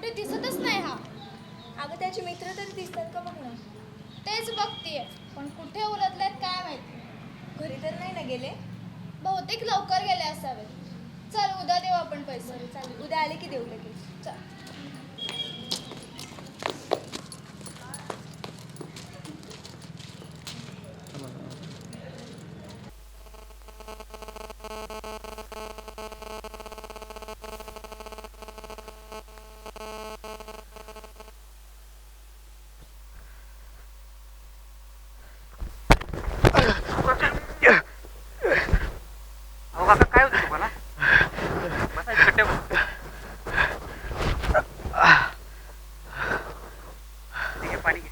कुठे दिसतच नाही हा. अगं त्याचे मित्र तरी दिसतात का बघ ना. तेच बघतीये पण कुठे उलटलेत काय माहिती. घरी तर नाही ना गेले. बहुतेक लवकर गेले असावेत. चल उद्या देऊ आपण पैसे. बरं चालेल, उद्या आले की देऊ लगेच. चल. अहो काका काय होतं तुम्हाला? बसायचं कट्ट्यावर. ठीक आहे, पाणी घे.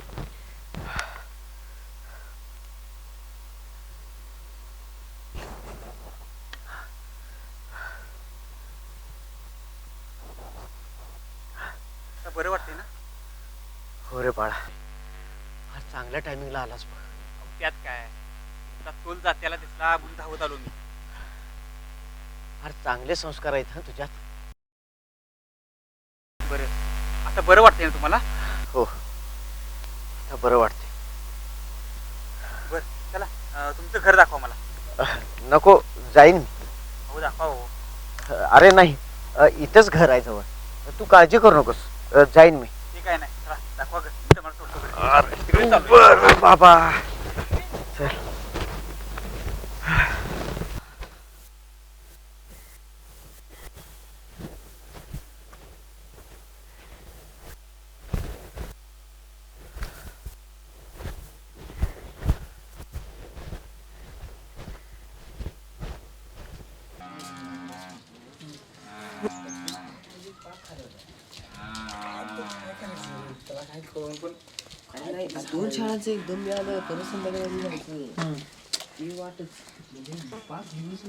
आता बरं वाटतंय ना? हो रे बाळा, आज चांगल्या टायमिंगला आलास बघ. अहो, त्यात काय, तुला तोल जात्याला दिसला म्हणून धावत आलो मी. फार चांगले संस्कार आहेत हा तुझ्यात. बरं, आता बरं वाटतंय ना तुम्हाला? हो, आता बरं वाटते. बरं चला, तुमचं घर दाखवा मला. नको, जाईन. हो दाखवा हो. अरे नाही, इथंच घर आहे जवळ. तू काळजी करू नकोस, जाईन मी. ते काय नाही, चला दाखवा घर. मी तुम्हाला सोडतो घरी. तिकडे चाललोय. बरं बाबा, चल. दोन शाळांचं एकदम मिळालं परत संध्याकाळी जायचं ती वाटच म्हणजे 5 दिवस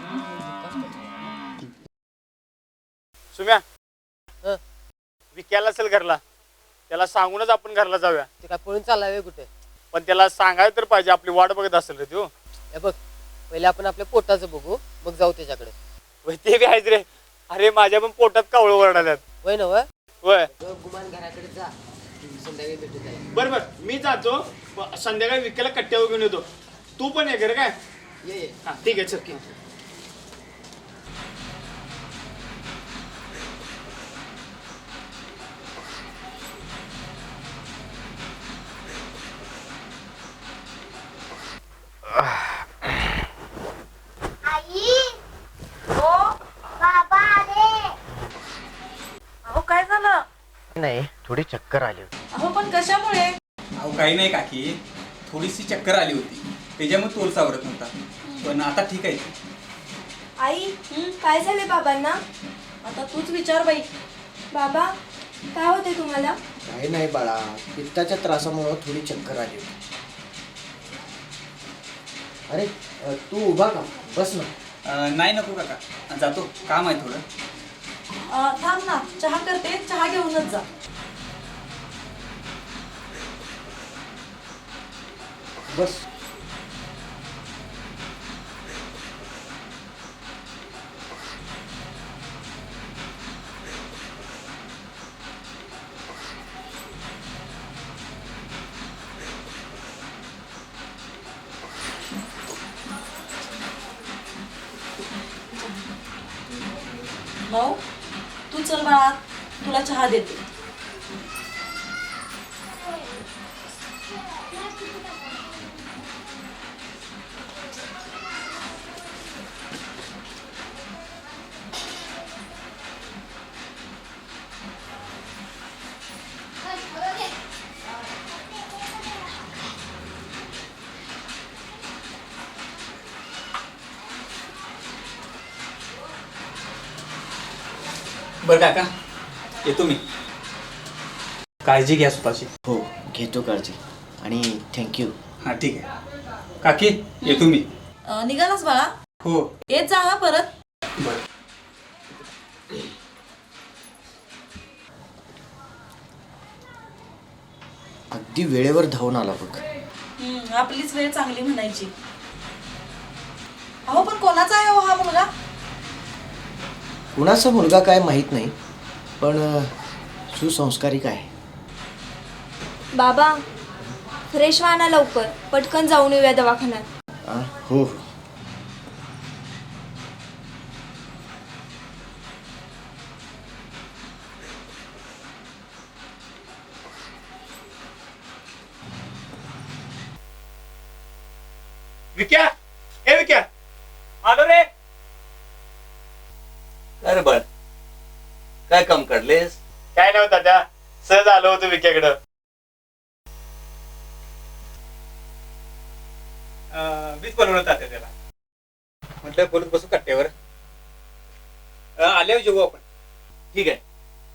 सुम्या, विक्याला असेल घरला, त्याला सांगूनच आपण घरला जाऊया. ते काय पळून चाललाय कुठे? पण त्याला सांगायला तर पाहिजे, आपली वाट बघत असेल रे तू. हे बघ, पहिले आपण आपल्या पोटाचं बघू, मग जाऊ त्याच्याकडे. वय ते बी आहेच रे. अरे माझ्या पण पोटात कावळं ओरडाल्यात. वय ना वय वय गुमान घराकडे जा, संध्याकाळी भेटू त्याला. बर बर, मी जातो. संध्याकाळी विक्याला कट्ट्यावर घेऊन येतो. तू पण ये घर काय? ये हा ठीक आहे, चल. आई, ओ बाबा आले. अहो काय झालं? नाही, थोडी चक्कर आली होती. अहो पण कशामुळे? अहो काही नाही काकी, थोडीशी चक्कर आली होती, त्याच्यामुळे तोल सावरत नव्हता. पण आता ठीक आहे. आई, काय झाले बाबांना? आता तूच विचार बाई. बाबा, काय होते तुम्हाला? काही नाही बाळा, पित्ताच्या त्रासामुळे थोडी चक्कर आली होती. अरे तू उभा का, बस ना. नाही नको काका, जातो, काम आहे थोडं. थांब ना, चहा करते, चहा घेऊनच जा. बस. भाऊ तू चल बाळा, तुला चहा देते. बरं काका, येतो मी. काळजी घ्या स्वतःची. हो, घेतो काळजी. आणि थँक्यू. हां ठीक आहे काकी, येतो मी. निघालास बाळा? हो. येत जा हा परत. बरं. अगदी वेळेवर धावून आला बघ. आपलीच वेळ चांगली म्हणायची. अहो पण कोणाचा आहे हो हा मुलगा? कुणाचा मुलगा काय माहित नाही, पण सुसंस्कारिक आहे. बाबा फ्रेश व्हा ना लवकर, पटकन जाऊन येऊया दवाखान्यात. हो. विक्या ए विक्या आलो रे. अरे बर काय काम काढलेस? काय नव्हता त्या सहज आलो होतो विक्याकडं. मीच बोलवलं तात्या त्याला. म्हटलं बोलत बसू कट्ट्यावर. आल्यावर जेवू आपण. ठीक आहे.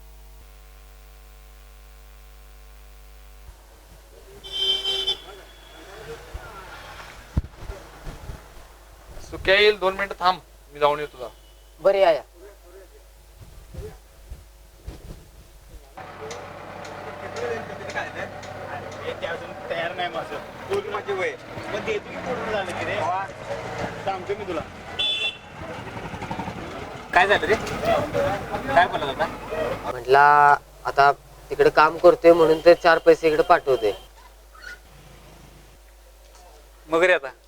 सुक्या येईल 2 मिनिटं थांब, मी जाऊन येतो तुझा. बरे या. ते अजून तयार नाही माझं. बोल माझे वय पण देतो की पूर्ण झालं की रे. सांगतो मी तुला. काय झालं रे? काय बोलत होता? म्हटला आता तिकडे काम करतोय म्हणून ते 4 पैसे इकडे पाठवते. मग रे आता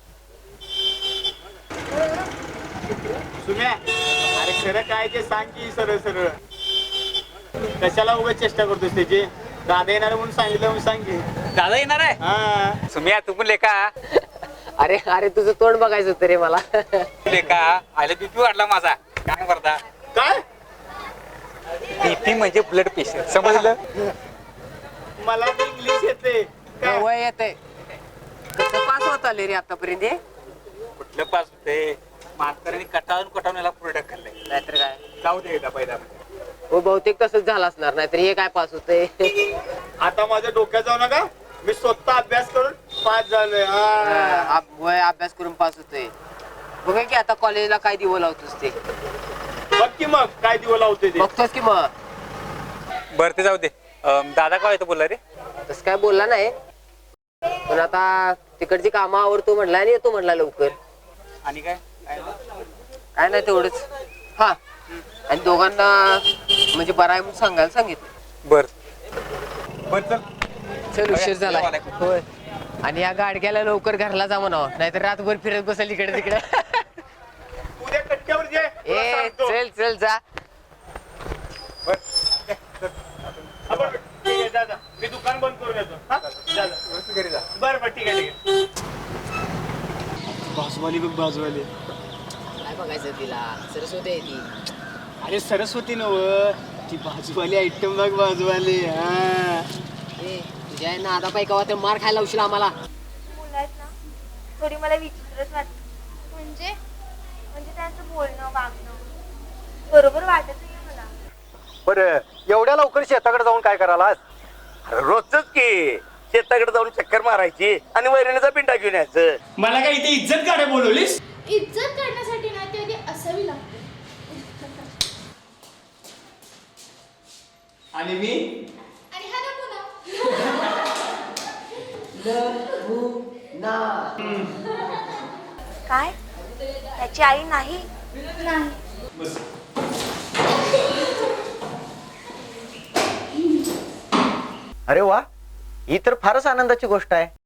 सुम्या अरे खरं काय ते सांग की सरळ सरळ. कशाला उगाच चेष्टा करतोस त्याची? दादा येणार म्हणून सांगितलं म्हणून सांग की. दादा येणार आहे? हा सुम्या तू पण लेका. अरे अरे तुझं तोंड बघायचं होतं रे मला. लेका आयला बीपी वाढला माझा. काय करता? काय बीपी म्हणजे ब्लड प्रेशर, समजलं? मला तर इंग्लिश येते काय? वय येते. कसं पास होत आले रे आतापर्यंत हे? कुठलं पास होते? म्हाताऱ्याने कटाळून याला पुढे ढकललंय. नाहीतर काय. जाऊ दे एकदा पहिला. हो बहुतेक तसंच झालं असणार, नाहीतर हे काय पास होते. आता माझ्या डोक्यात जाऊ नका. मी स्वतः अभ्यास करून पास झालोय. हा. वय अभ्यास करून पास होतोय. बघा की आता कॉलेजला काय दिवं लावतोस ते. बघ की मग काय दिवं लावतोय ते. बघतोस की मग. बरं ते जाऊ दे. दादा काय येतो बोलला रे? तसं काय बोलला नाही, पण आता तिकडची कामं आवरतो म्हणला आणि येतो म्हणला लवकर. आणि काय? काय नाही तेवढंच. हा आणि दोघांना म्हणजे बरं आहे म्हणून सांगायला सांगितलं. बर बर चल. चल उशीर झाला. होय. आणि या गाडग्याला लवकर घरला जा म्हणावं, नाहीतर रातभर फिरत बसेल इकडे तिकडे. उद्या कट्ट्यावर जे तुला ए सांगतो. चल चल जा. आपण ठीक आहे, जा जा. मी दुकान बंद करून येतो. हा? जा, जा. घरी जा. बरं बरं ठीक आहे ठीक आहे. बाजूवाली बघ बाजूवाली. काय बघायचं तिला? सरस्वती आहे ती. अरे सरस्वती नव ती बाजूवाली आयटम बघ बाजूवाली. हा ए तुझ्या आहे ना आता पाहिजे का मार खायला उशीर आम्हाला. मुलं आहेत ना, थोडी मला विचित्रच वाटतं. म्हणजे म्हणजे त्यांचं बोलणं वागणं बरोबर वाटत नाही मला. बरं एवढ्या लवकर शेताकडे जाऊन काय करायला? रोजच की शेताकडे जाऊन चक्कर मारायची आणि वैरणीचा पिंडा घेऊन यायचं. मला काय इथे इज्जत काढे बोलवलीस? इज्जत करण्यासाठी ना ती आधी असावी लागते. आणि मी आणि हा नमुना. काय त्याची आई नाही? नाही. अरे वा, ही तर फारच आनंदाची गोष्ट आहे.